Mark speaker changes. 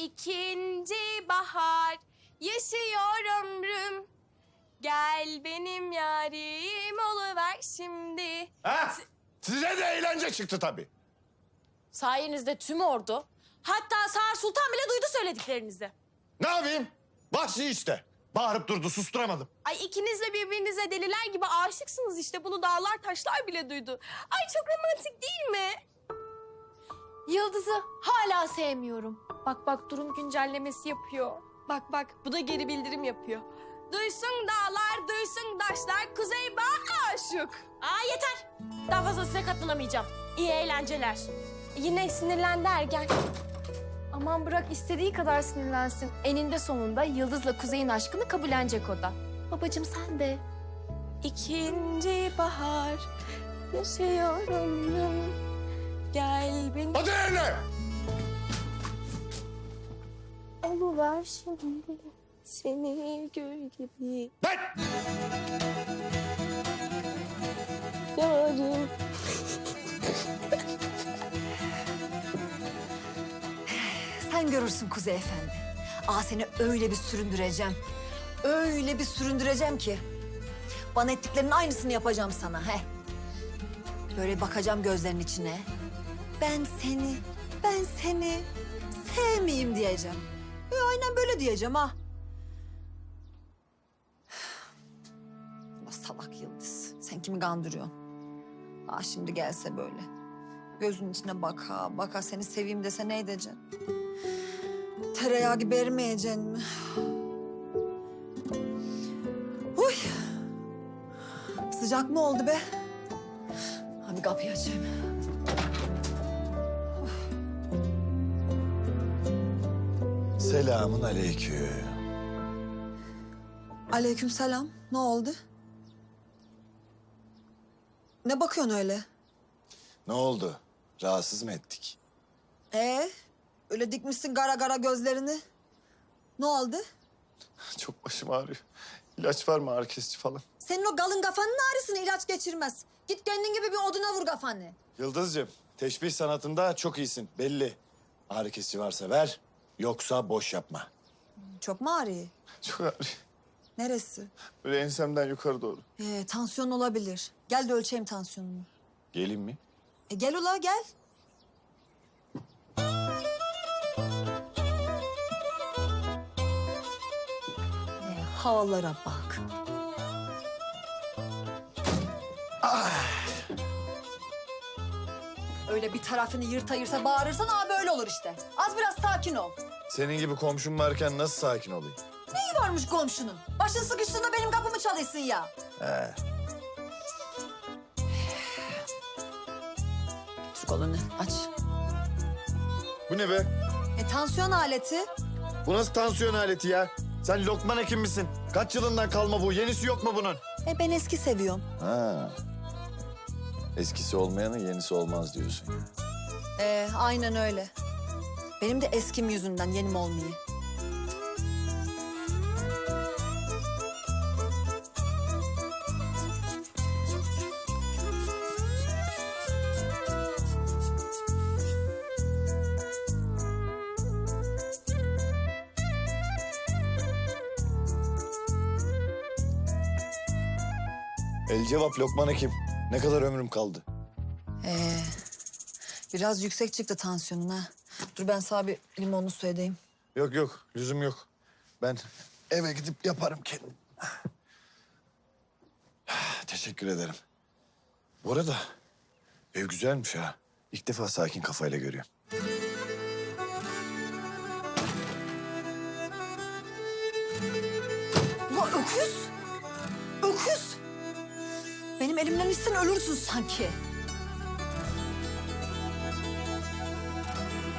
Speaker 1: İkinci bahar yaşıyor ömrüm. Gel benim yarim oluver şimdi.
Speaker 2: Ha? Size de eğlence çıktı tabii.
Speaker 1: Sayenizde tüm ordu, hatta Sağır Sultan bile duydu söylediklerinizi.
Speaker 2: Ne yapayım? Vahşi işte. Bağırıp durdu, susturamadım.
Speaker 1: Ay ikiniz de birbirinize deliler gibi aşıksınız işte. Bunu dağlar taşlar bile duydu. Ay çok romantik değil mi? Yıldız'ı hala sevmiyorum. Bak bak durum güncellemesi yapıyor. Bak bak bu da geri bildirim yapıyor. Duysun dağlar, duysun taşlar, Kuzey Bağ aşık. Aa yeter. Daha fazla size katlanamayacağım. İyi eğlenceler. Yine sinirlendi ergen.
Speaker 3: Aman bırak istediği kadar sinirlensin. Eninde sonunda Yıldız'la Kuzey'in aşkını kabullenecek o da. Babacığım sen de.
Speaker 1: İkinci bahar yaşıyor ömrüm. Gel benim...
Speaker 2: Hadi yerine!
Speaker 1: Oluver şimdi seni gül gibi
Speaker 2: Lan!
Speaker 1: yarim.
Speaker 4: Sen görürsün Kuzey Efendi. Seni öyle bir süründüreceğim. Öyle bir süründüreceğim ki. Bana ettiklerinin aynısını yapacağım sana. He. Böyle bakacağım gözlerinin içine. Ben seni sevmeyeyim diyeceğim. Aynen böyle diyeceğim ha. Allah salak Yıldız. Sen kimi kandırıyorsun? Şimdi gelse böyle. Gözünün içine baka baka seni seveyim dese ne edeceksin? Tereyağı gibi erimeyeceksin mi? Uy! Sıcak mı oldu be? Hadi kapıyı açayım.
Speaker 2: Selamun aleyküm.
Speaker 4: Aleykümselam. Ne oldu? Ne bakıyorsun öyle?
Speaker 2: Ne oldu? Rahatsız mı ettik?
Speaker 4: Öyle dikmişsin gara gara gözlerini. Ne oldu?
Speaker 2: Çok başım ağrıyor. İlaç var mı, ağrı kesici falan?
Speaker 4: Senin o galın kafanın ağrısını ilaç geçirmez. Git kendin gibi bir oduna vur kafanı.
Speaker 2: Yıldız'cığım, teşbih sanatında çok iyisin, belli. Ağrı kesici varsa ver, yoksa boş yapma.
Speaker 4: Çok mu ağrıyor?
Speaker 2: Çok ağrıyor.
Speaker 4: Neresi?
Speaker 2: Böyle ensemden yukarı doğru.
Speaker 4: Tansiyon olabilir. Gel de ölçeyim tansiyonunu.
Speaker 2: Geleyim mi?
Speaker 4: Gel ula gel. Havalara bak. Öyle bir tarafını yırta yırta bağırırsan böyle olur işte. Az biraz sakin ol.
Speaker 2: Senin gibi komşum varken nasıl sakin olayım?
Speaker 4: Neyi varmış komşunun? Başın sıkıştığında benim kapımı çalıyorsun ya. Türk kolunu aç.
Speaker 2: Bu ne be?
Speaker 4: Tansiyon aleti.
Speaker 2: Bu nasıl tansiyon aleti ya? Sen Lokman Hekim misin? Kaç yılından kalma bu? Yenisi yok mu bunun?
Speaker 4: Ben eski seviyorum.
Speaker 2: Ha. Eskisi olmayanın yenisi olmaz diyorsun ya.
Speaker 4: Aynen öyle. Benim de eskim yüzünden yenim olmuyor.
Speaker 2: El cevap Lokman Hekim. Ne kadar ömrüm kaldı?
Speaker 4: Biraz yüksek çıktı tansiyonun ha. Dur ben sana bir limonlu su edeyim.
Speaker 2: Yok yok, lüzum yok. Ben eve gidip yaparım kendim. Teşekkür ederim. Bu arada ev güzelmiş ha. İlk defa sakin kafayla görüyorum.
Speaker 4: Ulan öküz! Öküz! Benim elimden içsen ölürsün sanki.